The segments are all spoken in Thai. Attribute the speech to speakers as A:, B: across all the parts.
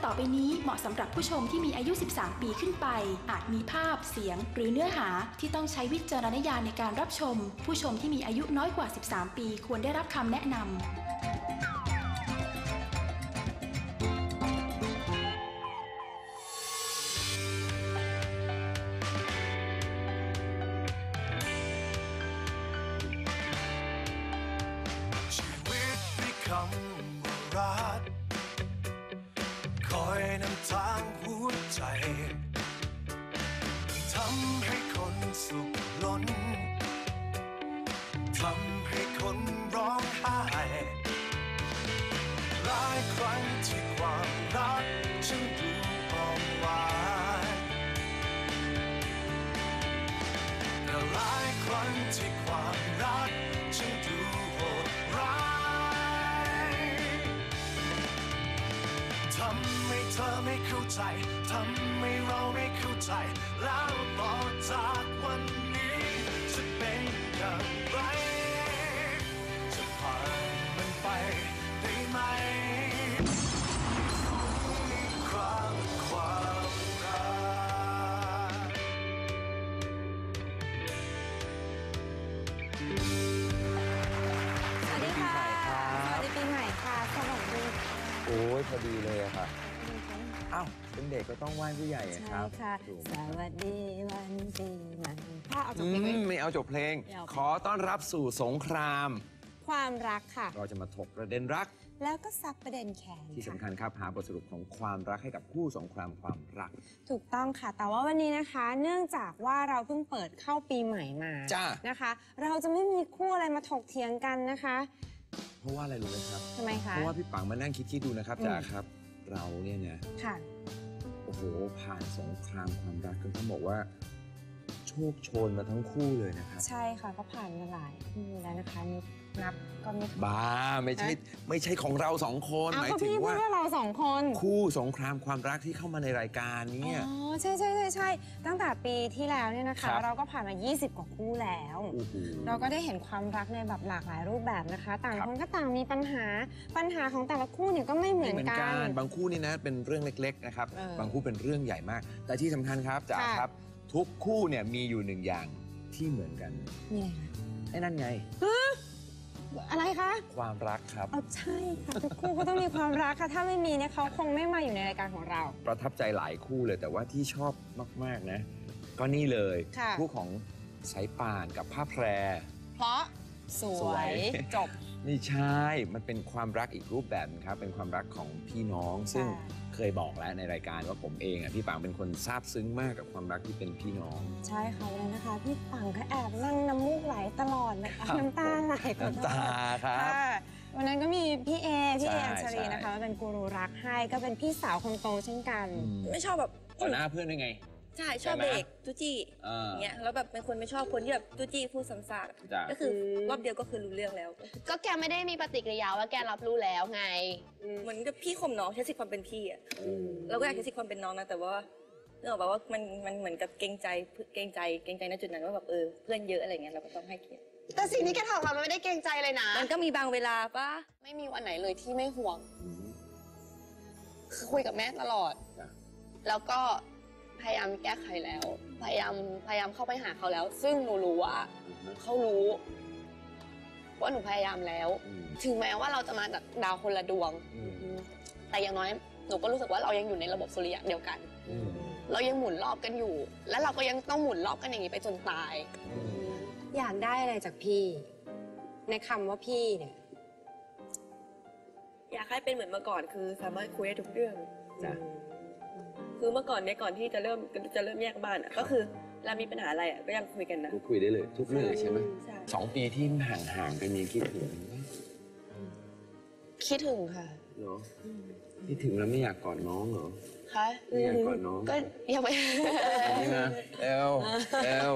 A: ต่อไปนี้เหมาะสำหรับผู้ชมที่มีอายุ 13 ปีขึ้นไปอาจมีภาพเสียงหรือเนื้อหาที่ต้องใช้วิจารณญาณในการรับชมผู้ชมที่มีอายุน้อยกว่า 13 ปีควรได้รับคำแนะนำ
B: รักคอยนำทางหัวใจทำให้คนสุขล้นทำให้คนร้องไห้หลายครั้งที่ความรักฉันดูอ่อนหวานแต่หลายครั้งที่ความรักฉันดูโหดร้ายทำให้เธอไม่เข้าใจทำให้เราไม่เข้าใจแล้วต่อจากวันนี้จะเป็นอย่างไรจะผ่านมันไปได้ไหมความรัก
C: สวัสดีค่ะสวัสดีปีใหม่ค่ะสวัสดี
D: โอ้ยพอดีเลยอะค่ะอ้าวเป็นเด็กก็ต้องไหว้ผู้ใหญ่ครับ
C: ใช่ค่ะสวัสดีวันปีใหม่ถ้าเอาจบเพลง
D: ไม่เอาจบเพลงขอต้อนรับสู่สงคราม
C: ความรักค่ะ
D: เราจะมาถกประเด็นรัก
C: แล้วก็ซักประเด็นแค้น
D: ที่สำคัญครับหาบทสรุปของความรักให้กับคู่สงครามความรัก
C: ถูกต้องค่ะแต่ว่าวันนี้นะคะเนื่องจากว่าเราเพิ่งเปิดเข้าปีใหม่มานะคะเราจะไม่มีคู่อะไรมาถกเถียงกันนะคะ
D: เพราะว่าอะไรรู้ไหมครับ
C: ทำไมคะ
D: เพราะว่าพี่ปังมานั่งคิดดูนะครับจ๋าครับเราเนี่ยนะ
C: ค่ะ
D: โอ้โหผ่านสงครามความรักกันต้องบอกว่าโชคโชนมาทั้งคู่เลยนะครับ
C: ใช่ค่ะก็ผ่านมาหลายคู่แล้วนะคะนับก็ไม่
D: บ้าไม่ใช่ของเราสองคน
C: หมายถึงว่าเราสองคน
D: คู่สงครามความรักที่เข้ามาในรายการนี้
C: อ๋อใช่ตั้งแต่ปีที่แล้วเนี่ยนะคะเราก็ผ่านมา20กว่าคู่แล้วเราก็ได้เห็นความรักในแบบหลากหลายรูปแบบนะคะต่างคนก็ต่างมีปัญหาของแต่ละคู่เนี่ยก็ไม่เหมือนกัน
D: บางคู่นี่นะเป็นเรื่องเล็กๆนะครับบางคู่เป็นเรื่องใหญ่มากแต่ที่สำคัญครับจ๋าครับทุกคู่เนี่ยมีอยู่หนึ่งอย่างที่เหมือนกัน
C: นี่ไง
D: ไอ้นั่นไง
C: อะไรคะ
D: ความรักครับ
C: ใช่ค่ะทุกคู่ก็ต้องมีความรักค่ะถ้าไม่มีเนี่ยเขาคงไม่มาอยู่ในรายการของเรา
D: ประทับใจหลายคู่เลยแต่ว่าที่ชอบมากๆนะก็นี่เลยคู่ของสายป่านกับผ้าแพร
C: เพราะสวยจบ
D: ไม่ใช่มันเป็นความรักอีกรูปแบบครับเป็นความรักของพี่น้องซึ่งเคยบอกแล้วในรายการว่าผมเองพี่ปังเป็นคนซาบซึ้งมากกับความรักที่เป็นพี่น้อง
C: ใช่ค่ะเลยนะคะพี่ปังก็แอบนั่งน้ำมูกไหลตลอดเลยน้ำตาไหล
D: น้ำตาครับ
C: วันนั้นก็มีพี่เออัญชลีนะคะเป็นกูรูรักให้ก็เป็นพี่สาวคนโตเช่นกัน
E: ไม่ชอบแบบ
D: ต่อหน้าเพื่อนได้ไง
E: ใช่ชอบเบรกจุจี้เงี้ยแล้วแบบเป็นคนไม่ชอบคนที่แบบจุจี้พูดซ้ำๆก็คือรอบเดียวก็คือรู้เรื่องแล้ว
F: ก็แกไม่ได้มีปฏิกิริยาว่าแกรับรู้แล้วไง
E: เหมือนกับพี่ข่มน้องใช้สิทธิ์ความเป็นพี่อ่ะเราก็อยากใช้สิทธิ์ความเป็นน้องนะแต่ว่าเนื่องจากว่ามันเหมือนกับเกรงใจณจุดนั้นว่าแบบเพื่อนเยอะอะไรเงี้ยเราก็ต้องให้เกียรติ
F: แต่สิ่งที่แกทำมันไม่ได้เกรงใจเลยนะ
E: มันก็มีบางเวลาป่ะ
F: ไม่มีวันไหนเลยที่ไม่ห่วงคือคุยกับแม่ตลอดแล้วก็พยายามแก้ไขแล้วพยายามเข้าไปหาเขาแล้วซึ่งหนูรู้ว่าเขารู้ว่าหนูพยายามแล้วถึงแม้ว่าเราจะมาจากดาวคนละดวงแต่อย่างน้อยหนูก็รู้สึกว่าเรายังอยู่ในระบบสุริยะเดียวกันเรายังหมุนรอบกันอยู่และเราก็ยังต้องหมุนรอบกันอย่างนี้ไปจนตาย
C: อยากได้อะไรจากพี่ในคำว่าพี่เนี่ย
E: อยากให้เป็นเหมือนเมื่อก่อนคือสามารถคุยได้ทุกเรื่องจ้ะคือเมื่อก่อนเนี่ยก่อนที่จะเริ่มแยกบ้านก็คือเรามีปัญหาอะไรก็ยังคุยกันนะ
D: คุยได้เลยทุกเรื่องใช่ไหม2 ปีที่ห่างกันนี้คิดถึง
C: ค่ะ
D: เหรอคิดถึงแล้วไม่อยากกอดน้องเหรอ
F: คะ
D: ไม่อยากกอดน้อง
F: ก็ยังไม่
D: นี่นะเอล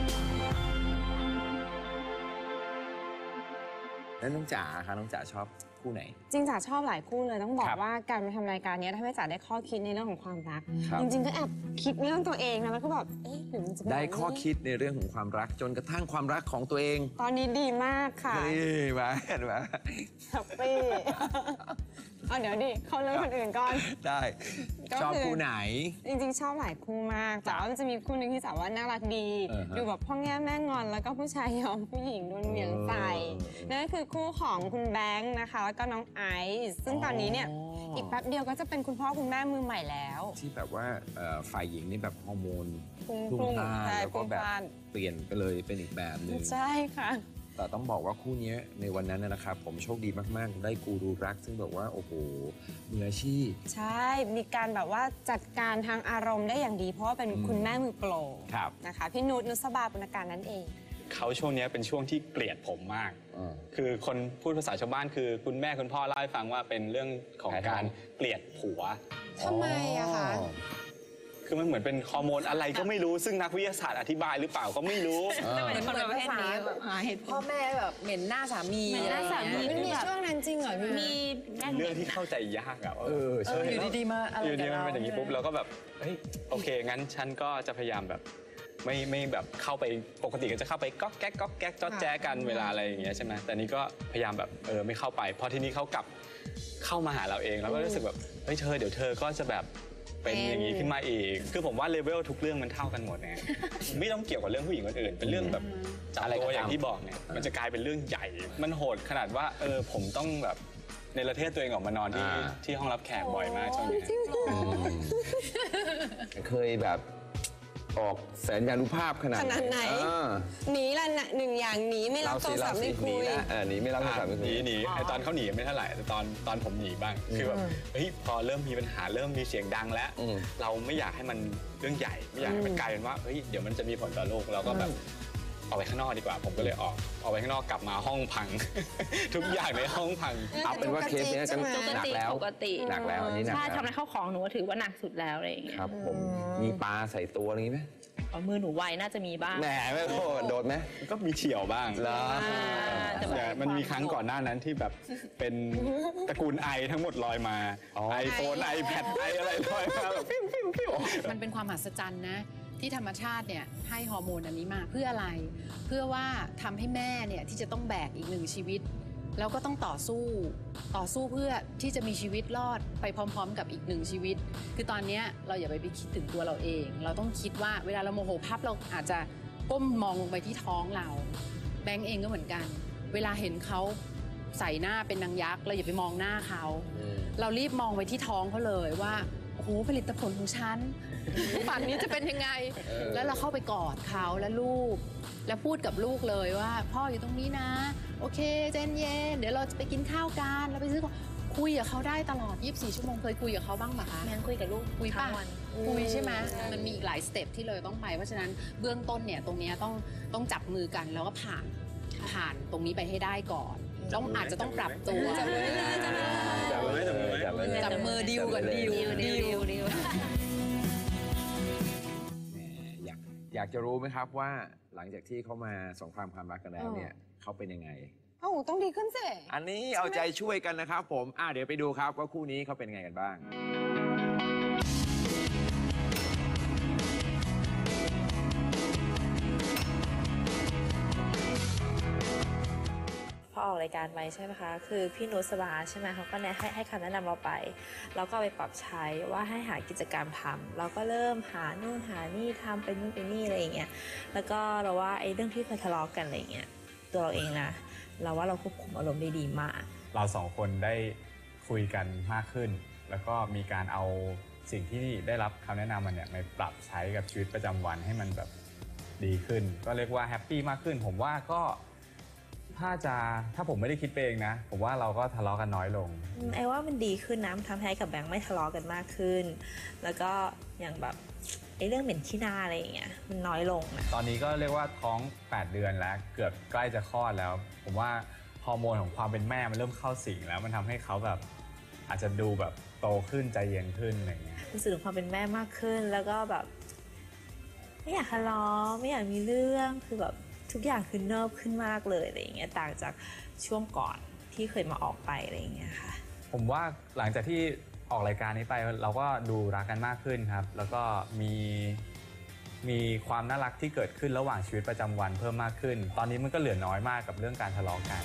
D: แล้วน้องจ๋าค่ะน้องจ๋าชอบคู่ไหน
C: จริงจ๋าชอบหลายคู่เลยต้องบอก
D: ครับ
C: ว่าการมาทำรายการนี้ทำให้จ๋าได้ข้อคิดในเรื่องของความรัก
D: ครับ
C: จริงๆก็แอบคิดเรื่องตัวเองนะแล้วก็แบบเอ๊ะหรือมันจะเป็น
D: ได้
C: แบบนี้
D: ข้อคิดในเรื่องของความรักจนกระทั่งความรักของตัวเอง
C: ตอนนี้ดีมากค่ะ
D: เฮ้ยมาเห็นไหม
C: แฮปปี้ เอาเดี๋ยวดิเขาเรื่องคนอื่นก่อน
D: ได้
C: ก็คือ
D: ชอบคู่ไหน
C: จริงๆชอบหลายคู่มากแต่ว่ามันจะมีคู่หนึงที่จ๋าว่าน่ารักดี
D: ฮะ
C: ดูแบบพ่อแง่แม่งอนแล้วก็ผู้ชายยอมผู้หญิงโดนเหวี่ยงใส่นั่นก็คือคู่ของคุณแบงค์นะคะแล้วก็น้องไอซ์ซึ่งตอนนี้เนี่ยอีกแป๊บเดียวก็จะเป็นคุณพ่อคุณแม่มือใหม่แล้ว
D: ที่แบบว่าฝ่ายหญิงนี่แบบฮอร์โมน
C: พุ่ง
D: พล่าน
C: ใช่
D: แล้วก็แบบ
C: พุ่งพล่าน
D: เปลี่ยนไปเลยเป็นอีกแบบหนึ่ง
C: ใช่ค่ะ
D: แต่ต้องบอกว่าคู่นี้ในวันนั้นนะครับผมโชคดีมากๆ ได้กูรูรัก ซึ่งแบบว่าโอ้โหมืออาชีพ
C: ใช่ มีการแบบว่าจัดการทางอารมณ์ได้อย่างดี เพราะว่าเป็นคุณแม่มือโปร
D: ครับ
C: นะคะพี่นุชบาปุณการนั่นเอง
G: เขาช่วงนี้เป็นช่วงที่เกลียดผมมาก คือคนพูดภาษาชาวบ้านคือคุณแม่คุณพ่อเล่าให้ฟังว่าเป็นเรื่องของการเกลียดผัว
C: ทำไมอะคะ
G: คือมันเหมือนเป็นฮอร์โมนอะไรก็ไม่รู้ ซึ่งนักวิทยาศาสตร์อธิบายหรือเปล่าก็ไม่รู้
H: เป็นคนประเภทนี้แบบหาเหตุพ่อแม่แบบเหม็นหน้าสามี
F: เหม็นหน้าสามี
C: มันมีช่วงนั้นจริงเหรอพี่
F: มี
G: เรื่องที่เข้าใจยากอะว่า
H: อยู่ดีๆมาอะไร
G: อยู่
H: กั
G: ดี
H: บ
G: มัน
H: เรา
G: เป็นอย่างนี้ปุ๊บเราก็แบบเฮ้ยโอเคงั้นฉันก็จะพยายามแบบไม่แบบเข้าไปปกติก็จะเข้าไปก๊อกแก๊กก๊อกแก๊กจ๊อดแจ๊กันเวลาอะไรอย่างเงี้ยใช่ไหมแต่นี้ก็พยายามแบบไม่เข้าไปพอทีนี้เขากลับเข้ามาหาเราเองแล้วก็รู้สึกแบบเฮ้ยเดี๋ยวเธอก็จะแบบเป็นอย่างนี้ขึ้นมาอีกคือผมว่าเลเวลทุกเรื่องมันเท่ากันหมดนะไม่ต้องเกี่ยวกับเรื่องผู้หญิงคนอื่นเป็นเรื่องแบบจับตัวอย่างที่บอกเนี่ยมันจะกลายเป็นเรื่องใหญ่มันโหดขนาดว่าผมต้องแบบในประเทศตัวเองออกมานอนที่ห้องรับแขกบ่อยมากช่วงนี้
D: เคยแบบออกแสนยานุภาพขนาด
C: ขนาดไหน หนีละหนึ่งอย่างหนีไม่รับโทรศัพท์ไม่คุย
D: หนีไม่รับโทรศัพท์ไม่คุย
G: หนีไอ้ตอนเขาหนีไม่เท่าไหร่แต่ตอนผมหนีบ้างคือแบบเฮ้ยพอเริ่มมีปัญหาเริ่มมีเสียงดังแล้ว เราไม่อยากให้มันเรื่องใหญ่ไม่อยากให้มันกลายเป็นว่าเฮ้ยเดี๋ยวมันจะมีผลต่อโลกเราก็แบบออกไปข้างนอกดีกว่าผมก็เลยออกไปข้างนอกกลับมาห้องพัง ทุกอย่างในห้องพัง
D: เอาเป็นว่าเคสเนี้ยจะ
C: ปกติ
D: หนักแล้ว
F: ปกติ
D: หนักแล้วอันนี้หนัก
F: ใช่
D: แล้ว
F: ทำอะไรเข้าของหนูก็ถือว่าหนักสุดแล้วอะไรอย่างเงี้ย
D: ครับผมมีปลาใส่ตัวอะไรอย่างนี้ไหม
F: เอามือหนูไวน่าจะมีบ้าง
D: แหมไม่โทษโดนไหม
G: ก็มีเฉียวบ้าง
D: เหรอ
F: แต่แบบ
G: แต่มันมีครั้งก่อนหน้านั้นที่แบบเป็นตระกูลไอทั้งหมดลอยมา iPhone iPad ไออะไรลอยมาแบบปิ้วปิ้วปิ้ว
H: มันเป็นความมหัศจรรย์นะที่ธรรมชาติเนี่ยให้ฮอร์โมนอันนี้มาเพื่ออะไร เพื่อว่าทำให้แม่เนี่ยที่จะต้องแบกอีกหนึ่งชีวิตแล้วก็ต้องต่อสู้เพื่อที่จะมีชีวิตรอดไปพร้อมๆ กับอีกหนึ่งชีวิต คือตอนนี้เราอย่าไปคิดถึงตัวเราเอง เราต้องคิดว่าเวลาเราโมโหพับเราอาจจะก้มมองลงไปที่ท้องเราแบงก์เองก็เหมือนกัน เวลาเห็นเขาใส่หน้าเป็นนางยักษ์เราอย่าไปมองหน้าเขาเรารีบมองไปที่ท้องเขาเลยว่าโอ้โหผลิตผลของฉันป่านนี้จะเป็นยังไง แล้วเราเข้าไปกอดเขาและลูกแล้วพูดกับลูกเลยว่าพ่ออยู่ตรงนี้นะโอเคใจเย็นเดี๋ยวเราจะไปกินข้าวกันเราไปซื้อของคุยกับเขาได้ตลอด24ชั่วโมงเคยคุยกับเขาบ้างไหมคะ
F: แม่งคุยกับลูก
H: คุยป่ะ
F: ทั้งวัน
H: คุยใช่ไหมมันมีอีกหลายสเต็ปที่เราต้องไปเพราะฉะนั้นเบื้องต้นเนี่ยตรงเนี้ยต้องจับมือกันแล้วก็ผ่านตรงนี้ไปให้ได้ก่อนอาจจะต้องปรับตัวจับมือดีลก่อนดีล
D: แหมอยากจะรู้ไหมครับว่าหลังจากที่เขามาสงครามความรักกันแล้วเนี่ยเขาเป็นยังไง
C: โอ้โหต้องดีขึ้นสิ
D: อันนี้เอาใจช่วยกันนะครับผมเดี๋ยวไปดูครับว่าคู่นี้เขาเป็นยังไงกันบ้าง
I: พอออกรายการไปใช่ไหมคะ คือพี่นุสบาใช่ไหมเขาก็ให้คำแนะนำเราไปเราก็ไปปรับใช้ว่าให้หากิจกรรมทำเราก็เริ่มหานู่นหานี่ทำเป็นนู่นเป็นนี่อะไรอย่างเงี้ยแล้วก็เราว่าไอ้เรื่องที่เคยทะเลาะกันอะไรอย่างเงี้ยตัวเราเองนะเราว่าเราควบคุมอารมณ์ได้ดีมาก
G: เราสองคนได้คุยกันมากขึ้น แล้วก็มีการเอาสิ่งที่ได้รับคำแนะนำมันเนี่ยมาปรับใช้กับชีวิตประจำวันให้มันแบบดีขึ้นก็เรียกว่าแฮปปี้มากขึ้นผมว่าก็ถ้าผมไม่ได้คิดเองนะผมว่าเราก็ทะเลาะกันน้อยลง
I: ไอ้ว่ามันดีขึ้นนะมันทำให้กับแบงค์ไม่ทะเลาะกันมากขึ้นแล้วก็อย่างแบบไอ้เรื่องเหม็นขี้หน้าอะไรอย่างเงี้ยมันน้อยลงนะ
G: ตอนนี้ก็เรียกว่าท้อง8 เดือนแล้วเกือบใกล้จะคลอดแล้วผมว่าฮอร์โมนของความเป็นแม่มันเริ่มเข้าสิงแล้วมันทำให้เขาแบบอาจจะดูแบบโตขึ้นใจเย็นขึ้นอะไรเงี้ย
I: รู้สึกถึงความเป็นแม่มากขึ้นแล้วก็แบบไม่อยากทะเลาะไม่อยากมีเรื่องคือแบบทุกอย่างคือเนิบขึ้นมากเลยอะไรอย่างเงี้ยต่างจากช่วงก่อนที่ที่เคยมาออกไปอะไรอย่างเงี้ยค่ะ
G: ผมว่าหลังจากที่ออกรายการนี้ไปเราก็ดูรักกันมากขึ้นครับแล้วก็มีความน่ารักที่เกิดขึ้นระหว่างชีวิตประจำวันเพิ่มมากขึ้นตอนนี้มันก็เหลือน้อยมากกับเรื่องการทะเลาะกัน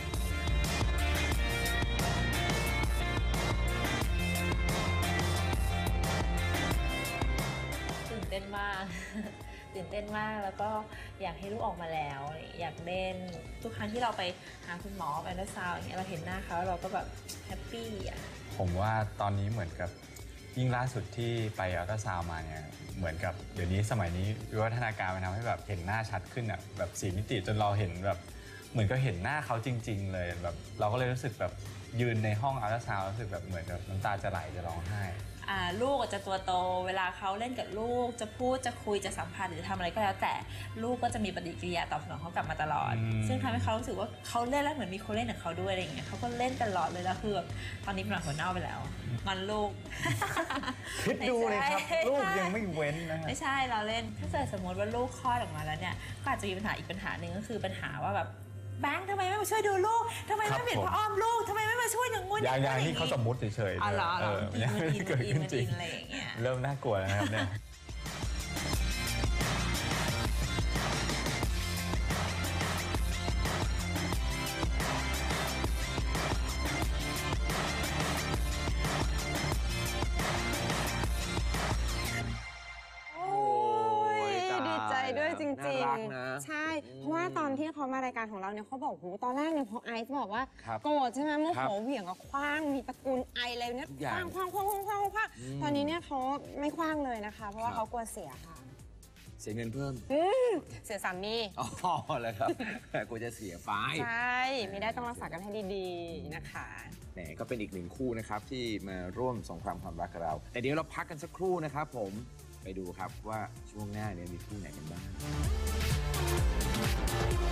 I: ตื่นเต้นมาก ตื่นเต้นมากแล้วก็อยากให้ลูกออกมาแล้วอยากเล่นทุกครั้งที่เราไปหาคุณหมอไปอัลตราซาวด์อย่างเงี้ยเราเห็นหน้าเขาเราก็แบบแฮปปี้อ่ะ
G: ผมว่าตอนนี้เหมือนกับยิ่งล่าสุดที่ไปอัลตราซาวด์มาเนี่ยเหมือนกับเดี๋ยวนี้สมัยนี้วิวัฒนาการมันทำให้แบบเห็นหน้าชัดขึ้นอ่ะแบบ4 มิติจนเราเห็นแบบเหมือนก็เห็นหน้าเขาจริงๆเลยแบบเราก็เลยรู้สึกแบบยืนในห้องอัลตราซาวด์รู้สึกแบบเหมือนกับน้ำตาจะไหลจะร้องไห้
I: ลูกจะตัวโตเวลาเขาเล่นกับลูกจะพูดจะคุยจะสัมพันธ์หรือทำอะไรก็แล้วแต่ลูกก็จะมีปฏิกิริยาตอบสนองเขากลับมาตลอดซึ่งทำให้เขารู้สึกว่าเขาเล่นแล้วเหมือนมีคนเล่นกับเขาด้วยอะไรอย่างเงี้ยเขาก็เล่นตลอดเลยแล้วคือแบบตอนนี้เป็นหลังหัวเน่าไปแล้วมันลูก
G: คิดดูเลยครับลูกยังไม่เว้นนะ
I: ไม่ใช่เราเล่นถ้าเกิดสมมติว่าลูกคลอดออกมาแล้วเนี่ยก็อาจจะมีปัญหาอีกปัญหาหนึ่งก็คือปัญหาว่าแบบแบงค์ทำไมไม่มาช่วยดูลูกทำไมไม่เปลี่ยนผ้าอ้อมลูกทำไมไม่มาช่วยอย่างงู้น
G: อย่างนี้เขาสมมติเฉยๆยังไม่ได้เกิดขึ้นจริงเริ่มน่ากลัวแล้วนะครับเนี่ย
C: ด้วยจริงๆใช่เพราะว่าตอนที่เขามารายการของเราเนี่ยเขาบอกตอนแรกเนี่ยพอไอซ์บอกว่าโกรธใช่ไหมโมโหเหวี่ยงก็คว้างมีตระกูลไออะไรเนี่ยคว้างตอนนี้เนี่ยเขาไม่คว้างเลยนะคะเพราะว่าเขากลัวเสียค่ะ
D: เสียเงินเพิ่ม
C: เสียสามี
D: อ๋อเลยครับกลัวจะเสียไฟ
C: ใช่ไม่ได้ต้องรักษากันให้ดีๆนะคะ
D: แหมก็เป็นอีกหนึ่งคู่นะครับที่มาร่วมสงครามความรักกับเราแต่เดี๋ยวเราพักกันสักครู่นะครับผมไปดูครับว่าช่วงหน้าเนี่ยมีคู่ไหนกันบ้าง